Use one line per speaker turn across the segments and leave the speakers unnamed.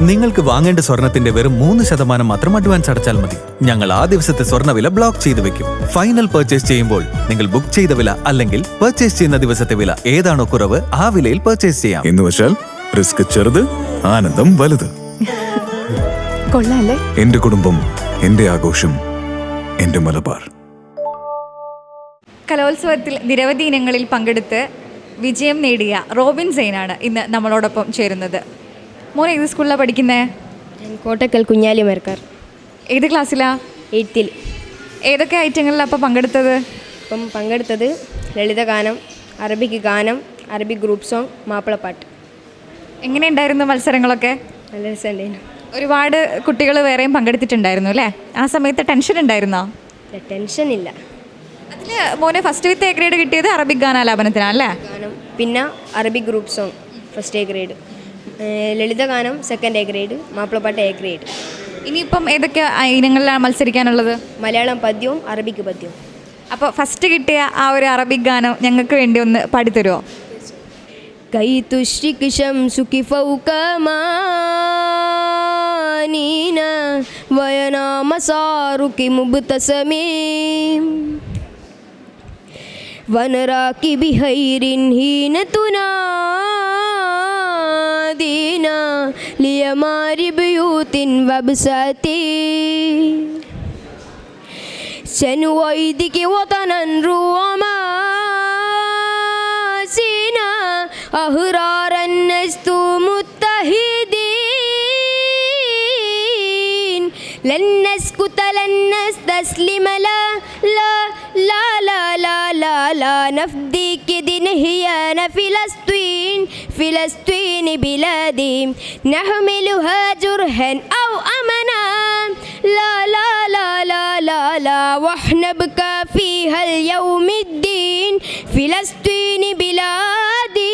നിങ്ങൾക്ക് വാങ്ങേണ്ട സ്വർണത്തിന്റെ വെറും 3% മാത്രം അഡ്വാൻസ് അടച്ചാൽ മതി. ഞങ്ങൾ ആ ദിവസത്തെ സ്വർണ്ണവില ബ്ലോക്ക് ചെയ്തു വെക്കും. ഫൈനൽ പർച്ചേസ് ചെയ്യുമ്പോൾ നിങ്ങൾ ബുക്ക് ചെയ്ത വില അല്ലെങ്കിൽ പർച്ചേസ് ചെയ്യുന്ന ദിവസത്തെ വില ഏതാണോ കുറവ് ആ വിലയിൽ പർച്ചേസ് ചെയ്യാം.
എന്ന് വെച്ചാൽ റിസ്ക് ചെറുത്, ആനന്ദം വലുത്.
കൊള്ളാല്ലേ?
എന്റെ കുടുംബം, എന്റെ ആഘോഷം, എന്റെ മലബാർ.
കലോത്സവത്തിൽ നിരവധി ഇനങ്ങളിൽ പങ്കെടുത്ത് വിജയം നേടിയ റോബിൻ സെയിനാണ് ഇന്ന് നമ്മളോടൊപ്പം ചേരുന്നത്. മോനെ ഏത് സ്കൂളിലാണ് പഠിക്കുന്നത്?
കോട്ടക്കൽ കുഞ്ഞാലി മരക്കാർ.
ഏത് ക്ലാസ്സിലാ?
8th.
ഏതൊക്കെ ഐറ്റങ്ങളിലാണ് അപ്പോൾ പങ്കെടുത്തത്?
ഇപ്പം പങ്കെടുത്തത് ലളിതഗാനം, അറബിക് ഗാനം, അറബിക് ഗ്രൂപ്പ് സോങ്, മാപ്പിളപ്പാട്ട്.
എങ്ങനെയുണ്ടായിരുന്നു മത്സരങ്ങളൊക്കെ?
നല്ല രസമുണ്ടായിരുന്നു.
ഒരുപാട് കുട്ടികൾ വേറെയും പങ്കെടുത്തിട്ടുണ്ടായിരുന്നു അല്ലേ? ആ സമയത്ത് ടെൻഷൻ ഉണ്ടായിരുന്നോ?
ടെൻഷനില്ല.
അതിൽ മോനെ ഫസ്റ്റ് വിത്ത് എ ഗ്രേഡ് കിട്ടിയത് അറബിക് ഗാനാലാപനത്തിനാണല്ലേ?
ഗാനം, പിന്നെ Arabic group song first A grade, ലളിതഗാനം സെക്കൻഡ് A ഗ്രേഡ്, മാപ്പിളപ്പാട്ട് A ഗ്രേഡ്.
ഇനിയിപ്പം ഏതൊക്കെ ഇനങ്ങളിലാണ് മത്സരിക്കാനുള്ളത്?
മലയാളം പദ്യവും അറബിക് പദ്യവും.
അപ്പോൾ ഫസ്റ്റ് കിട്ടിയ ആ ഒരു അറബിക് ഗാനം ഞങ്ങൾക്ക് വേണ്ടി ഒന്ന് പാടിത്തരുമോ?
കൈ തുഷ്രിക് ശംസുകി ഫൗക മാനീന വയനാ മസാറുകി മുബ്തസമീം വനറാകി ബിഹൈരിൻ ഹീന തുനാദീന ലിയമാരി ബിയൂത്തിൻ വബ്സതി ശനുവൈദികി വതനൻ റുവമാ أهرارا نجتو متحدين لن نسكت لن نستسلم لا لا لا لا لا لا لا نفديك دنهيان فلسطين فلسطين بلادي نحملها جرها أو أمنا لا لا لا لا لا لا وحنبكى فيها اليوم الدين فلسطين بلادي.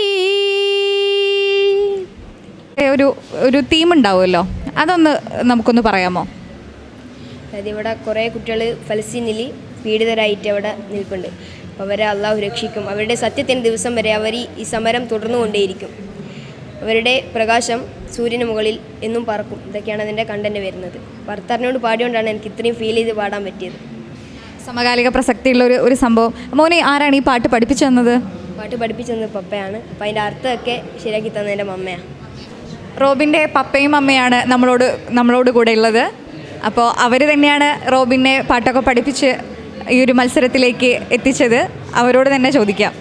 ഒരു തീം ഉണ്ടാവുമല്ലോ, അതൊന്ന് നമുക്കൊന്ന് പറയാമോ?
അതായത് ഇവിടെ കുറേ കുട്ടികൾ ഫലസ്തീനിൽ പീഡിതരായിട്ട് അവിടെ നിൽപ്പുണ്ട്. അപ്പോൾ അവരെ അള്ളാഹു രക്ഷിക്കും. അവരുടെ സത്യത്തിൻ്റെ ദിവസം വരെ അവർ ഈ സമരം തുടർന്നുകൊണ്ടേയിരിക്കും. അവരുടെ പ്രകാശം സൂര്യന് മുകളിൽ എന്നും പറക്കും. ഇതൊക്കെയാണ് അതിൻ്റെ കണ്ടന്റ് വരുന്നത്. ഭർത്താവിനോട് പാടിയോണ്ടാണ് എനിക്ക് ഇത്രയും ഫീൽ ചെയ്ത് പാടാൻ പറ്റിയത്.
സമകാലിക പ്രസക്തിയുള്ള ഒരു സംഭവം. മോനെ ആരാണ് ഈ പാട്ട് പഠിപ്പിച്ചു തന്നത്?
പാട്ട് പഠിപ്പിച്ചു തന്നത് പപ്പയാണ്. അപ്പോൾ അതിൻ്റെ അർത്ഥമൊക്കെ ശരിയാക്കി തന്നത് എൻ്റെ മമ്മയാണ്.
റോബിൻ്റെ പപ്പയും അമ്മയാണ് നമ്മളോട് കൂടെ ഉള്ളത്. അപ്പോൾ അവർ തന്നെയാണ് റോബിനെ പാട്ടൊക്കെ പഠിപ്പിച്ച് ഈ ഒരു മത്സരത്തിലേക്ക് എത്തിച്ചത്. അവരോട് തന്നെ ചോദിക്കാം.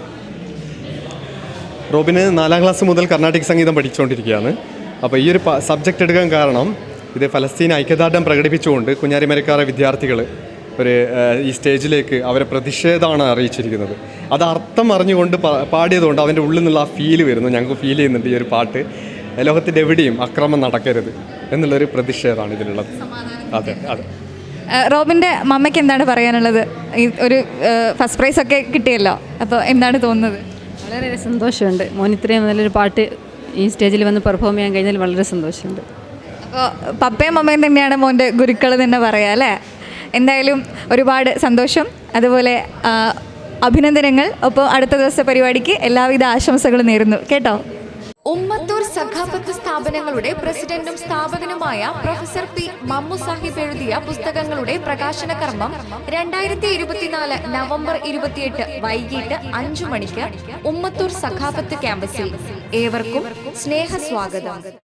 റോബിന് 4ാം ക്ലാസ് മുതൽ കർണാട്ടിക് സംഗീതം പഠിച്ചുകൊണ്ടിരിക്കുകയാണ്. അപ്പോൾ ഈ ഒരു സബ്ജക്റ്റ് എടുക്കാൻ കാരണം ഇത് ഫലസ്തീൻ ഐക്യദാർഢ്യം പ്രകടിപ്പിച്ചുകൊണ്ട് കുഞ്ഞാലിമരക്കാരെ വിദ്യാർത്ഥികൾ ഈ സ്റ്റേജിലേക്ക് അവരെ പ്രതിഷേധമാണ് അറിയിച്ചിരിക്കുന്നത്. അത് അർത്ഥം അറിഞ്ഞുകൊണ്ട് പാടിയതുകൊണ്ട് അവൻ്റെ ഉള്ളിൽ നിന്നുള്ള ആ ഫീല് വരുന്നു. ഞങ്ങൾക്ക് ഫീൽ ചെയ്യുന്നുണ്ട് ഈ ഒരു പാട്ട്. ലോകത്തിൻ്റെ എവിടെയും അക്രമം നടക്കരുത് എന്നുള്ളൊരു പ്രതിഷേധമാണ് ഇതിലുള്ളത്. അതെ അതെ.
റോബിൻ്റെ മമ്മയ്ക്ക് എന്താണ് പറയാനുള്ളത്? ഈ ഒരു ഫസ്റ്റ് പ്രൈസ് ഒക്കെ കിട്ടിയല്ലോ, അപ്പോൾ എന്താണ് തോന്നുന്നത്?
വളരെ സന്തോഷമുണ്ട്. മോൻ ഇത്രയും നല്ലൊരു പാട്ട് ഈ സ്റ്റേജിൽ വന്ന് പെർഫോം ചെയ്യാൻ കഴിഞ്ഞാൽ വളരെ സന്തോഷമുണ്ട്.
അപ്പോൾ പപ്പയും അമ്മയും തന്നെയാണ് മോൻ്റെ ഗുരുക്കൾ തന്നെ പറയാം അല്ലേ? എന്തായാലും ഒരുപാട് സന്തോഷം, അതുപോലെ അഭിനന്ദനങ്ങൾ. അപ്പോൾ അടുത്ത ദിവസത്തെ പരിപാടിക്ക് എല്ലാവിധ ആശംസകളും നേരുന്നു കേട്ടോ.
ഉമ്മത്തൂർ സഖാഫത്ത് സ്ഥാപനങ്ങളുടെ പ്രസിഡന്റും സ്ഥാപകനുമായ പ്രൊഫസർ പി മമ്മു സാഹിബ് എഴുതിയ പുസ്തകങ്ങളുടെ പ്രകാശന കർമ്മം 2024 നവംബർ 28 വൈകിട്ട് 5 മണിക്ക് ഉമ്മത്തൂർ സഖാഫത്ത് ക്യാമ്പസിൽ. ഏവർക്കും സ്നേഹസ്വാഗതം.